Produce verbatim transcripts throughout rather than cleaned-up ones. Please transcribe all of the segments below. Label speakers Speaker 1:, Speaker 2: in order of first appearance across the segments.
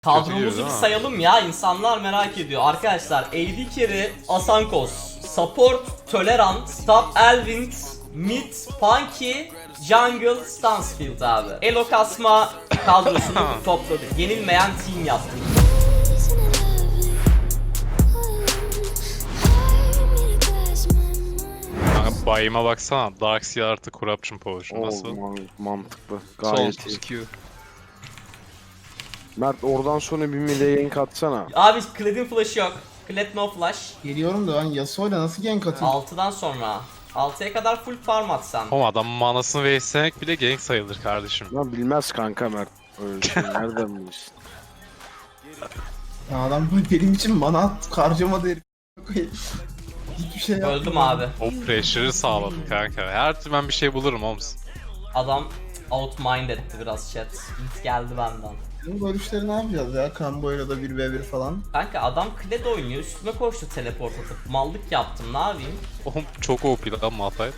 Speaker 1: Kadromuzu bir sayalım ya, insanlar merak ediyor. Arkadaşlar A D Carry, Asankos, Support, Tolerant, Top Elvind, Mid, Punky, Jungle, Stansfield abi. Elo kasma kadrosunu topladık. Yenilmeyen team yaptık.
Speaker 2: Kanka bayıma baksana. Darkseid artı Corruption Potion nasıl?
Speaker 3: Oo, man- mantıklı. Gayet iyi.
Speaker 4: Sonsuz Q.
Speaker 3: Mert oradan sonra bir mid'e gank atsana.
Speaker 1: Abi Kled'in flash'ı yok. Kled no flash.
Speaker 5: Geliyorum da ben Yasuo'yla nasıl gank atayım?
Speaker 1: altıdan sonra. altıya kadar full farm atsan.
Speaker 2: Oğlum adamın manasını waste'lemek bile gank sayılır kardeşim.
Speaker 3: Lan bilmez kanka Mert. Öyle şey nereden bilirsin?
Speaker 5: Ya adam benim için mana at harcamadı herif. Hiçbir şey yapmadı.
Speaker 1: Öldüm abi.
Speaker 2: O pressure'ı sağladı kanka. Her türlü ben bir şey bulurum Holmes.
Speaker 1: Adam outmind etti biraz chat. Hit geldi benden.
Speaker 5: Bu görüşleri ne yapacağız ya? Kamboyla da bir ve bir falan.
Speaker 1: Kanka adam Kled oynuyor, üstüme koştu teleport atıp. Mallık yaptım, ne yapayım?
Speaker 2: Oğlum çok O P lan Malphite.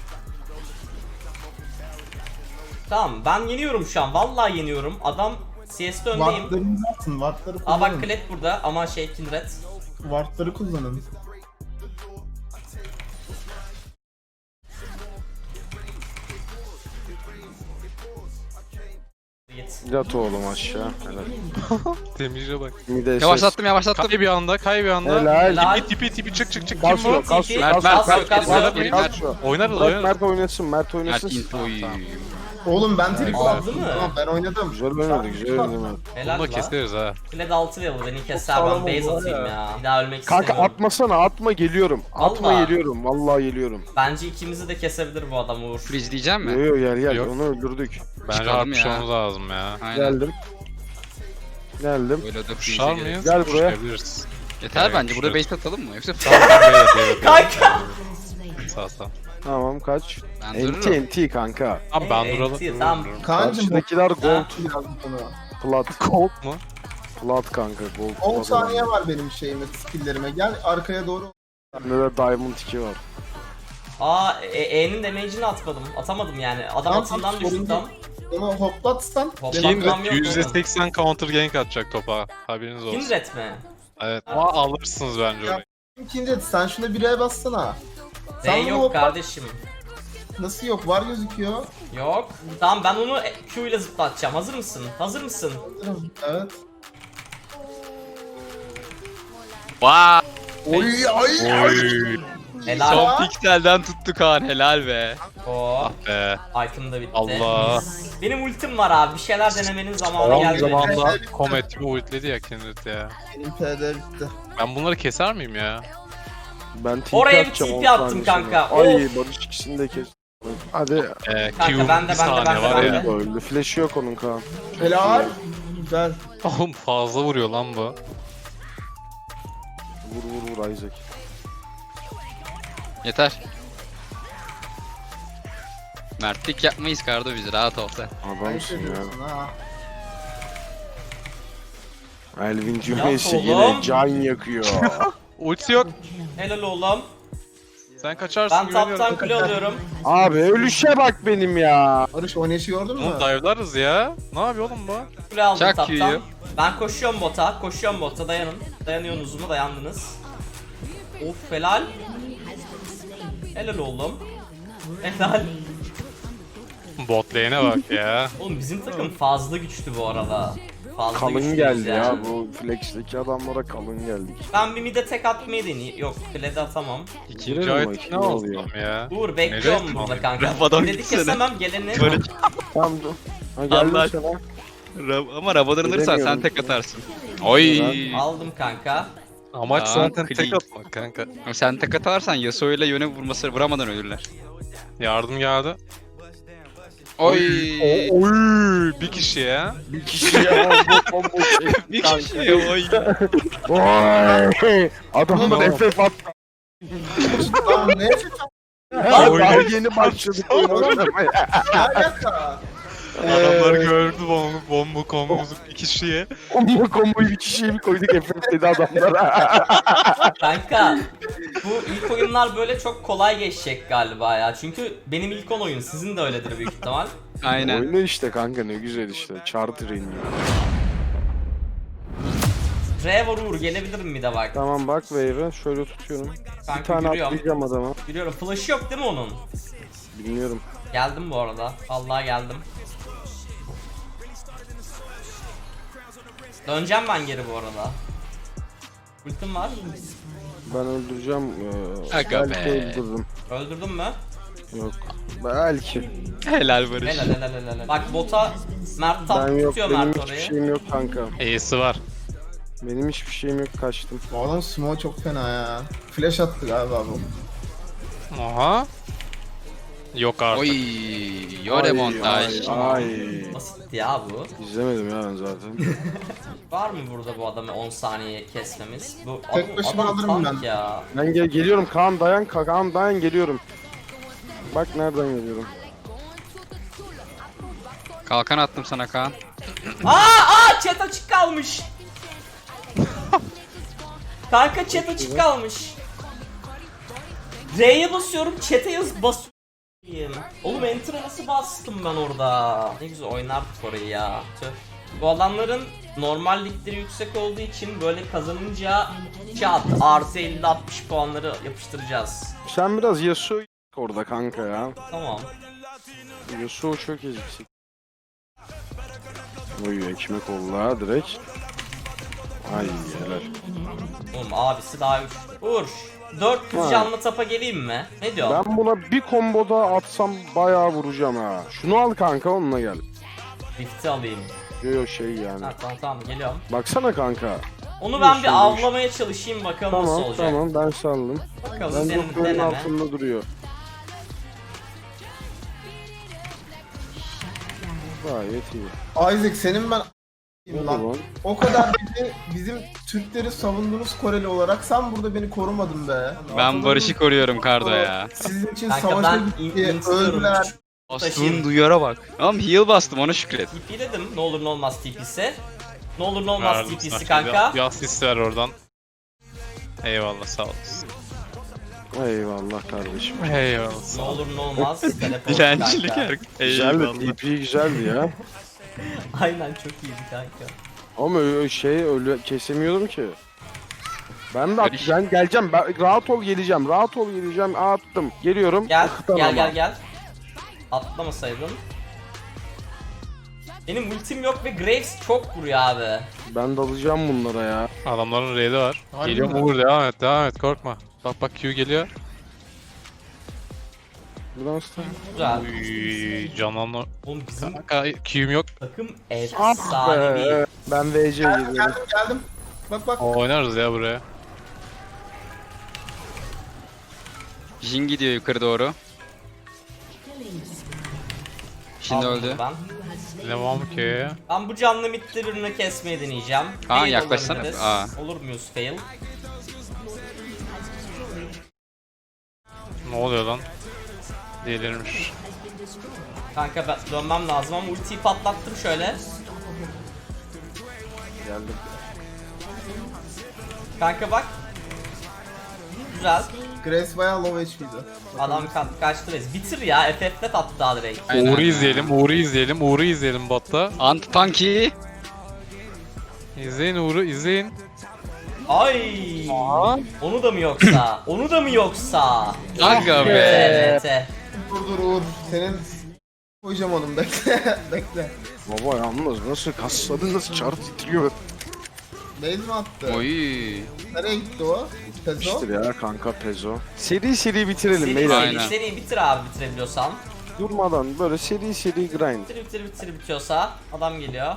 Speaker 1: Tamam, ben yeniyorum şu an, vallahi yeniyorum. Adam C S'de öndeyim.
Speaker 5: Wardlarınızı atın, wardları
Speaker 1: Aa bak
Speaker 5: kullanın.
Speaker 1: Kled burada ama şey Kindred.
Speaker 5: Wardları kullanın.
Speaker 1: Git.
Speaker 3: Yat oğlum aşağı. Helal.
Speaker 2: Damage'e bak.
Speaker 3: Mid'e
Speaker 4: Yavaşlattım yavaşlattım.
Speaker 2: Kay bir anda, kay bir anda.
Speaker 3: Helal.
Speaker 1: Helal.
Speaker 2: Tipi tipi tipi çık çık çık. Kim
Speaker 3: Kas
Speaker 2: bu?
Speaker 3: yok, kas yok,
Speaker 4: Mert,
Speaker 3: kas
Speaker 4: Mert,
Speaker 3: yok,
Speaker 1: Mert,
Speaker 3: kas yok,
Speaker 1: Mert,
Speaker 3: kas
Speaker 4: Mert.
Speaker 3: yok.
Speaker 2: Oynarız
Speaker 3: Bırak
Speaker 2: oynarız.
Speaker 3: Mert oynasın, Mert oynasın.
Speaker 4: Mert infoyu.
Speaker 5: Oğlum ben trip
Speaker 1: Aldı
Speaker 5: aldım.
Speaker 1: mı?
Speaker 5: Tamam ben oynadım.
Speaker 3: Güzel oynadı, güzel oynadı Mert.
Speaker 1: Helal
Speaker 2: Bunu da
Speaker 1: la.
Speaker 2: keseriz ha.
Speaker 1: Kled altı level, beni keser, ben
Speaker 5: sağlam
Speaker 1: base
Speaker 5: oldu
Speaker 1: atayım
Speaker 5: ya.
Speaker 1: ya. Bir daha ölmek
Speaker 3: Kanka
Speaker 1: istemiyorum.
Speaker 3: atmasana, atma geliyorum. Atma
Speaker 1: Vallahi.
Speaker 3: geliyorum, vallahi geliyorum.
Speaker 1: Bence ikimizi de kesebilir bu adam Uğur.
Speaker 4: Freeze diyeceğim
Speaker 3: Yo
Speaker 4: mi?
Speaker 3: yo gel gel,
Speaker 2: Yok.
Speaker 3: onu öldürdük.
Speaker 2: Bence
Speaker 4: Çıkalım
Speaker 2: harpışmamız
Speaker 4: ya.
Speaker 2: lazım ya.
Speaker 4: Aynen.
Speaker 3: Geldim. Geldim.
Speaker 4: Böyle de
Speaker 2: Kuşlar
Speaker 4: freeze'e
Speaker 2: mıyız?
Speaker 4: gerek.
Speaker 3: Gel buraya.
Speaker 2: Kuşlayabiliriz.
Speaker 4: Yeter
Speaker 2: Evet,
Speaker 4: bence. Burada
Speaker 2: kuşlarız.
Speaker 4: base atalım mı? Yoksa
Speaker 2: Tamam tamam beyler beyler.
Speaker 1: Kanka!
Speaker 2: Sağ sağ.
Speaker 3: Tamam kaç?
Speaker 4: ben
Speaker 3: N T
Speaker 4: dururum.
Speaker 3: N T kanka.
Speaker 2: Tamam ben
Speaker 1: Ee,
Speaker 2: duralım.
Speaker 1: T, tamam.
Speaker 5: Kaan'cım bu
Speaker 3: Karşıdakiler gold,
Speaker 5: yazdım sana.
Speaker 3: plat.
Speaker 2: Colt mu?
Speaker 3: Plat kanka, gold.
Speaker 5: on
Speaker 3: plat
Speaker 5: saniye var benim şeyime, skilllerime. Gel arkaya doğru.
Speaker 3: Bende de Diamond iki var.
Speaker 1: Aa E- E'nin damage'ini atmadım. Atamadım yani. Adam
Speaker 5: Tamam,
Speaker 1: atından
Speaker 5: sorun
Speaker 1: düştü
Speaker 5: değil.
Speaker 1: tam.
Speaker 5: Onu hoplatsan.
Speaker 1: Hoplat.
Speaker 5: devam-
Speaker 1: Kindred. Tam yok
Speaker 2: yüzde seksen counter gank atacak topa. Haberiniz olsun.
Speaker 1: Kindred mi?
Speaker 2: Evet. Ama alırsınız bence
Speaker 5: Ya.
Speaker 2: orayı.
Speaker 5: İkinci sen şuna bire bassana.
Speaker 1: E
Speaker 5: Sen bunu
Speaker 1: yok
Speaker 5: hoplat.
Speaker 1: kardeşim.
Speaker 5: Nasıl yok? Var gözüküyor.
Speaker 1: Yok. Tamam ben onu Q ile zıplatacağım. Hazır mısın? Hazır mısın?
Speaker 5: Evet.
Speaker 4: Vaa!
Speaker 5: Oy ay
Speaker 2: Oy.
Speaker 1: Helal.
Speaker 4: Son pikselden tuttu Kaan. Helal be.
Speaker 1: Oo.
Speaker 2: Be.
Speaker 1: Item da bitti.
Speaker 2: Allah.
Speaker 1: Benim ultim var abi. Bir şeyler denemenin zamanı
Speaker 2: Son
Speaker 1: geldi.
Speaker 2: zamanda Comet'imi ultledi ya Kindred ya.
Speaker 5: Benim P D bitti.
Speaker 2: Ben bunları keser miyim ya?
Speaker 3: Ben T P
Speaker 1: Oraya bir
Speaker 3: atacağım
Speaker 1: T
Speaker 3: on
Speaker 1: P attım
Speaker 3: saniye
Speaker 1: kanka.
Speaker 3: sonra. Ay
Speaker 1: Of.
Speaker 3: Barış ikisini de kes. Hadi.
Speaker 2: Ee,
Speaker 1: Kanka,
Speaker 2: Q
Speaker 1: bende,
Speaker 2: bir
Speaker 1: bende,
Speaker 2: saniye
Speaker 1: bende,
Speaker 2: var
Speaker 1: bende.
Speaker 2: ya.
Speaker 3: Öldü. Flash'ı yok onun Kaan.
Speaker 5: Helal. Güzel.
Speaker 2: Oğlum fazla vuruyor lan bu.
Speaker 3: Vur vur vur Isaac.
Speaker 4: Yeter. Mertlik yapmayız Kardo biz. Rahat ol sen.
Speaker 3: Adamsın ya.
Speaker 5: Ediyorsun ha.
Speaker 3: Elvin cümlesi
Speaker 1: oğlum.
Speaker 3: yine can yakıyor.
Speaker 2: Ulti yok.
Speaker 1: Helal oğlum.
Speaker 2: Sen kaçarsın
Speaker 1: Ben
Speaker 2: güveniyorum.
Speaker 1: taptan kule alıyorum.
Speaker 3: Abi ölüşe bak benim ya.
Speaker 5: Barış oynayışı gördün mü?
Speaker 2: Oğlum dive'larız ya. Ne yapıyor oğlum bu?
Speaker 1: Kule aldım
Speaker 4: Çak
Speaker 1: taptan.
Speaker 4: yiyor.
Speaker 1: Ben koşuyorum bota. Koşuyorum bota. Dayanın. Dayanıyorsunuz mu? Dayandınız. Of helal. Helal oğlum. Helal.
Speaker 2: Bot lane'e bak ya.
Speaker 1: Oğlum bizim takım fazla güçlü bu arada. Fazla
Speaker 3: Kalın
Speaker 1: güçlüyüz
Speaker 3: geldi ya
Speaker 1: yani.
Speaker 3: bu flex'teki adamlara kalın geldik.
Speaker 1: Ben bir mide tek atmayı deneyeyim. Yok klede atamam.
Speaker 2: İkinci
Speaker 3: Girelim
Speaker 2: item
Speaker 3: bakayım,
Speaker 2: ne
Speaker 3: ne
Speaker 2: oldu
Speaker 3: oluyor?
Speaker 2: tam ya?
Speaker 1: Uğur bekliyorum
Speaker 2: Nereye
Speaker 1: burada
Speaker 2: atmadın?
Speaker 1: kanka.
Speaker 4: Rafadan
Speaker 1: Dedi
Speaker 4: gitsene.
Speaker 1: kesemem geleni.
Speaker 3: Tamam dur. Ha geldim
Speaker 4: Allah.
Speaker 3: sana.
Speaker 4: Ra- Ama Rabadon alırsan sen
Speaker 3: Bilemiyorum.
Speaker 4: tek atarsın. Oy.
Speaker 1: Aldım kanka.
Speaker 2: Amaç
Speaker 4: Aa,
Speaker 2: zaten tek
Speaker 4: clean.
Speaker 2: atmak kanka.
Speaker 4: Sen tek atarsan Yasuo ile yöne vurması vuramadan ölürler.
Speaker 2: Yardım geldi.
Speaker 4: Oy.
Speaker 2: Oy bir kişi ya.
Speaker 3: Bir kişiye combo combo çekti
Speaker 4: Bir
Speaker 3: kanka.
Speaker 4: kişi oy.
Speaker 3: Oy! Adamlar
Speaker 5: Oğlum.
Speaker 3: F F at.
Speaker 5: Tamam ne?
Speaker 3: Daha yeni başladık oyun oynamaya.
Speaker 5: Ne alaka?
Speaker 2: Adamlar gördü bomba bomba kombomuzu bir kişiye.
Speaker 3: Combo comboyu bir kişiye mi koyduk F F dedi adamlara.
Speaker 1: Kanka bu ilk oyunlar böyle çok kolay geçecek galiba ya. Çünkü benim ilk on oyun, sizin de öyledir büyük ihtimal.
Speaker 4: Aynen.
Speaker 3: Oyunu işte kanka ne güzel işte. Charter iniyor.
Speaker 1: Trevor Uğur gelebilirim bir de bak.
Speaker 3: Tamam bak wave'e şöyle tutuyorum. Bir
Speaker 1: Kanka
Speaker 3: tane
Speaker 1: yürüyorum.
Speaker 3: atlayacağım adama.
Speaker 1: Biliyorum flash yok değil mi onun?
Speaker 3: Bilmiyorum.
Speaker 1: Geldim bu arada. Vallahi geldim. Döneceğim ben geri bu arada. Ultim var.
Speaker 3: Ben öldüreceğim. Ee,
Speaker 4: Aga
Speaker 3: belki
Speaker 4: be.
Speaker 3: öldürürüm.
Speaker 1: Öldürdün mü?
Speaker 3: Yok. Belki.
Speaker 4: Helal Barış.
Speaker 1: Helal helal helal helal. Bak bota Mert tap
Speaker 3: Ben yok.
Speaker 1: tutuyor
Speaker 3: Benim
Speaker 1: Mert
Speaker 3: hiçbir
Speaker 1: orayı.
Speaker 3: şeyim yok kanka.
Speaker 2: E'si var.
Speaker 3: Benim hiçbir şeyim yok, kaçtım.
Speaker 5: Bu adam smoke çok fena ya. Flash attı galiba bu.
Speaker 2: Aha. Yok artık.
Speaker 4: Oy, yore montaj.
Speaker 3: Ay, ay.
Speaker 1: Basitti ya bu.
Speaker 3: İzlemedim ya ben zaten.
Speaker 1: Var mı burada bu adamı on saniye kesmemiz? Bu
Speaker 5: Tek
Speaker 1: adam,
Speaker 5: başıma
Speaker 1: adam
Speaker 5: alırım
Speaker 1: tank
Speaker 5: ben.
Speaker 1: ya.
Speaker 3: Ben gel geliyorum Kaan dayan Kaan dayan geliyorum. Bak nereden geliyorum.
Speaker 4: Kalkan attım sana Kaan.
Speaker 1: Aa aa chat açık kalmış. Kanka chat açık kalmış. R'ye basıyorum chat'e yaz basıyorum. Oğlum enter'a nasıl bastım ben orada? Ne güzel oynardık orayı ya. Tüh. Bu adamların normal ligleri yüksek olduğu için böyle kazanınca çat artı elli altmış puanları yapıştıracağız.
Speaker 3: Sen biraz Yasuo orada kanka ya.
Speaker 1: Tamam.
Speaker 3: Yasuo çok eziksin. Oy ekmek oldu ha direkt. Ay helal.
Speaker 1: Oğlum abisi daha güçlü. Uğur. dört yüz
Speaker 3: Ha.
Speaker 1: canlı tapa geleyim mi? Ne diyorsun?
Speaker 3: Ben buna bir komboda atsam bayağı vuracağım ha. Şunu al kanka onunla gel.
Speaker 1: Rift'i alayım.
Speaker 3: Yo yo şey yani.
Speaker 1: Ha, tamam tamam geliyorum.
Speaker 3: Baksana kanka.
Speaker 1: Onu ben bir
Speaker 3: Şöyle
Speaker 1: avlamaya çalışayım bakalım nasıl
Speaker 3: Tamam
Speaker 1: olacak.
Speaker 3: tamam ben saldım.
Speaker 1: Bakalım
Speaker 3: Ben
Speaker 1: senin
Speaker 3: doktorun
Speaker 1: deneme.
Speaker 3: altında duruyor. Gayet iyi.
Speaker 5: Isaac senin ben
Speaker 3: Ne
Speaker 5: lan.
Speaker 3: lan?
Speaker 5: O kadar bizi, bizim Türkleri savunduğunuz Koreli olarak sen burada beni korumadın be.
Speaker 4: Ben Barış'ı koruyorum Kardo ya.
Speaker 5: Sizin için
Speaker 1: Kanka
Speaker 5: savaşa
Speaker 1: ben in-
Speaker 5: gitti,
Speaker 1: istiyorum.
Speaker 5: öldüler.
Speaker 4: Bastığın duyara bak. Tamam heal bastım ona şükret.
Speaker 1: T P dedim ne olur ne olmaz T P'si. Ne olur ne olmaz
Speaker 2: Verdim
Speaker 1: T P'si
Speaker 2: sana.
Speaker 1: kanka.
Speaker 2: Bir asist ver oradan. Eyvallah sağ olasın.
Speaker 3: Eyvallah kardeşim.
Speaker 2: Eyvallah
Speaker 1: Ne
Speaker 2: sağ ol.
Speaker 1: olur ne olmaz. Teleport
Speaker 4: Dilencilik
Speaker 1: kanka.
Speaker 4: her.
Speaker 3: Güzeldi,
Speaker 4: Eyvallah.
Speaker 3: T P güzeldi ya.
Speaker 1: Aynen çok iyiydi kanka.
Speaker 3: Ama ö- şey öyle kesemiyordum ki. Ben de
Speaker 4: Barış.
Speaker 3: atacağım, geleceğim. Ben, rahat ol geleceğim. Rahat ol geleceğim. Attım. Geliyorum.
Speaker 1: Gel
Speaker 3: Akıtan
Speaker 1: gel
Speaker 3: ama.
Speaker 1: gel gel. Atlamasaydın. Benim ultim yok ve Graves çok vuruyor abi.
Speaker 3: Ben dalacağım bunlara ya.
Speaker 2: Adamların raid'i var.
Speaker 5: Harbi
Speaker 2: Geliyor
Speaker 5: mi?
Speaker 2: Uğur devam et devam et korkma. Bak bak Q geliyor.
Speaker 3: Buradan start.
Speaker 1: Güzel.
Speaker 2: Uy, canlanma.
Speaker 1: Oğlum bizim
Speaker 2: Kanka Q'm yok.
Speaker 1: takım
Speaker 3: Ah
Speaker 1: efsanevi.
Speaker 3: be. Ben V C geliyorum.
Speaker 5: Geldim geldim. Bak bak.
Speaker 2: Oynarız ya buraya.
Speaker 4: Jin gidiyor yukarı doğru. Şimdi
Speaker 1: Aldım
Speaker 4: öldü.
Speaker 1: Ben.
Speaker 2: Bilemem ki.
Speaker 1: Ben bu canlı midde birini kesmeyi deneyeceğim.
Speaker 4: Kaan,
Speaker 1: Fail
Speaker 4: yaklaşsana.
Speaker 1: olabiliriz.
Speaker 4: Aa.
Speaker 1: Olur muyuz fail?
Speaker 2: Ne oluyor lan? Delirmiş.
Speaker 1: Kanka ben dönmem lazım ama ultiyi patlattım şöyle.
Speaker 3: Geldim.
Speaker 1: Kanka bak. Güzel.
Speaker 5: Grace bayağı low H P'di.
Speaker 1: Adam ka- kaçtı res. Bitir ya. F F'de attı daha direkt.
Speaker 4: Aynen.
Speaker 2: Uğur'u izleyelim, Uğur'u izleyelim, Uğur'u izleyelim botta.
Speaker 4: Anti-tanky.
Speaker 2: İzleyin Uğur'u, izleyin.
Speaker 1: Ay. Onu da mı yoksa? Onu da mı yoksa?
Speaker 4: Aga be.
Speaker 1: Evet. evet.
Speaker 5: Dur dur Uğur. Senin koyacağım onu bekle. bekle.
Speaker 3: Baba yalnız nasıl kasladın nasıl çarp titriyor.
Speaker 5: Base mi attı?
Speaker 4: Oy.
Speaker 5: Nereye gitti o? Pezo?
Speaker 3: İşte ya kanka Pezo. Seri seri bitirelim
Speaker 1: Seri,
Speaker 3: beyler.
Speaker 1: seri,
Speaker 4: Aynen.
Speaker 1: seri bitir abi bitirebiliyorsan.
Speaker 3: Durmadan böyle seri seri grind.
Speaker 1: Bitir bitir bitir bitiyorsa adam geliyor.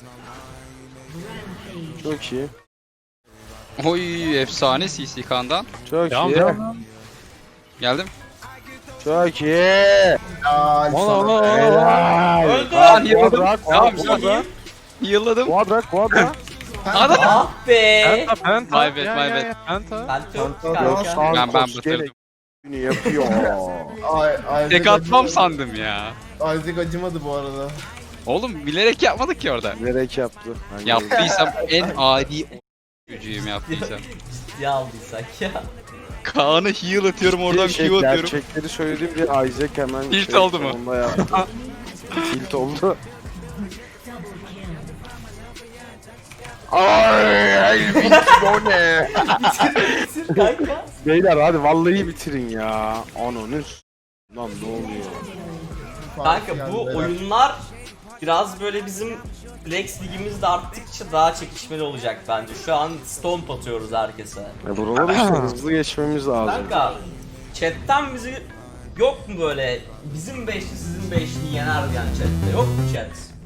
Speaker 3: Çok iyi.
Speaker 4: Oy efsane C C Kaan'dan.
Speaker 3: Çok
Speaker 2: Devam
Speaker 3: iyi.
Speaker 2: devam.
Speaker 4: Geldim.
Speaker 3: Çok iyi.
Speaker 5: Ya
Speaker 2: Ola
Speaker 5: sana.
Speaker 2: ola ola.
Speaker 3: Helal.
Speaker 1: Öldü.
Speaker 4: Kaan heal'ladım.
Speaker 3: Quadra,
Speaker 4: Tamam
Speaker 3: quadra,
Speaker 4: güzel. Heal'ladım.
Speaker 3: quadra, quadra.
Speaker 4: Adam.
Speaker 1: Ah be.
Speaker 2: Penta, penta.
Speaker 4: My bad,
Speaker 2: Ya,
Speaker 4: my
Speaker 2: ya,
Speaker 4: bad.
Speaker 2: ya, Penta.
Speaker 1: Ben yok
Speaker 5: Kanka,
Speaker 1: kanka.
Speaker 5: sağ-
Speaker 4: Ben ben
Speaker 3: Sankos
Speaker 4: batırdım.
Speaker 3: gerektiğini yapıyor.
Speaker 5: Ay, Isaac
Speaker 4: Tek atmam
Speaker 5: acımadı.
Speaker 4: sandım ya.
Speaker 5: Isaac acımadı bu arada.
Speaker 4: Oğlum bilerek yapmadık ki orada.
Speaker 3: Gerek yaptı. Ben
Speaker 4: Yaptıysam en adi gücüyüm yaptıysam.
Speaker 1: Ciddiye aldıysak ya.
Speaker 4: Kaan'a heal atıyorum oradan
Speaker 3: şey,
Speaker 4: Q atıyorum.
Speaker 3: gerçekleri söylediğim diye Isaac hemen
Speaker 4: Tilt
Speaker 3: şey,
Speaker 4: oldu mu?
Speaker 3: sonunda yaptı. Tilt oldu. Ay O ne?
Speaker 1: Bitir kanka.
Speaker 3: Beyler hadi vallahi bitirin ya. Ananı s- Lan ne oluyor?
Speaker 1: Kanka bu oyunlar biraz böyle bizim Flex ligimizde arttıkça daha çekişmeli olacak bence. Şu an stomp atıyoruz herkese.
Speaker 3: Ya buraları işte hızlı geçmemiz lazım.
Speaker 1: Kanka chatten bizi yok mu böyle bizim beşli sizin beşli yener yani chatte yok mu chat?